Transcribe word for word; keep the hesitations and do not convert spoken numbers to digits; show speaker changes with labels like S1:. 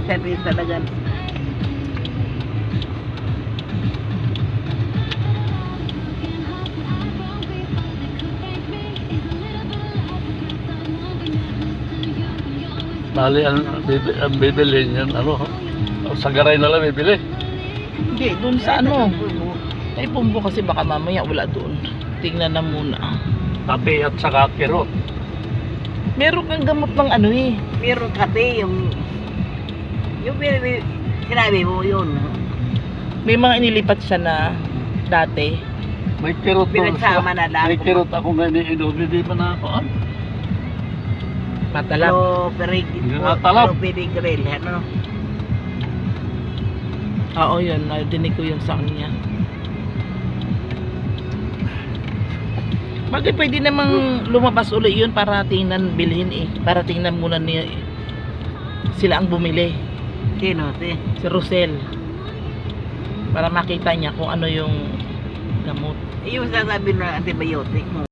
S1: service talaga.
S2: Bali, ang, bibi, ang bibili yan, ano, sa garay na lang bibili.
S3: Hindi, dun sa ano. Ay, pumbo kasi baka mamaya wala doon. Tingnan na muna.
S2: Kape at saka kirot.
S3: Meron kang gamot ng ano eh.
S1: Meron kasi yung yung bin- sinabi mo yun.
S3: May mga inilipat siya na dati.
S2: May kirot doon.
S1: Pinagsama na lang.
S2: May kirot ako na iniinom, hindi pa na ako. Ah?
S3: Matalap.
S1: Pero perig,
S2: Yung natalab.
S1: pero pedigril, ano?
S3: Oo, yun. Nadinig ko yun sa kanya. Bagay pwede namang lumabas uli yun para tingnan, bilhin eh. Para tingnan muna niya eh. Sila ang bumili.
S1: Sino? Si?
S3: Si Rosel. Para makita niya kung ano yung gamot.
S1: Yung sasabi na antibiotic mo.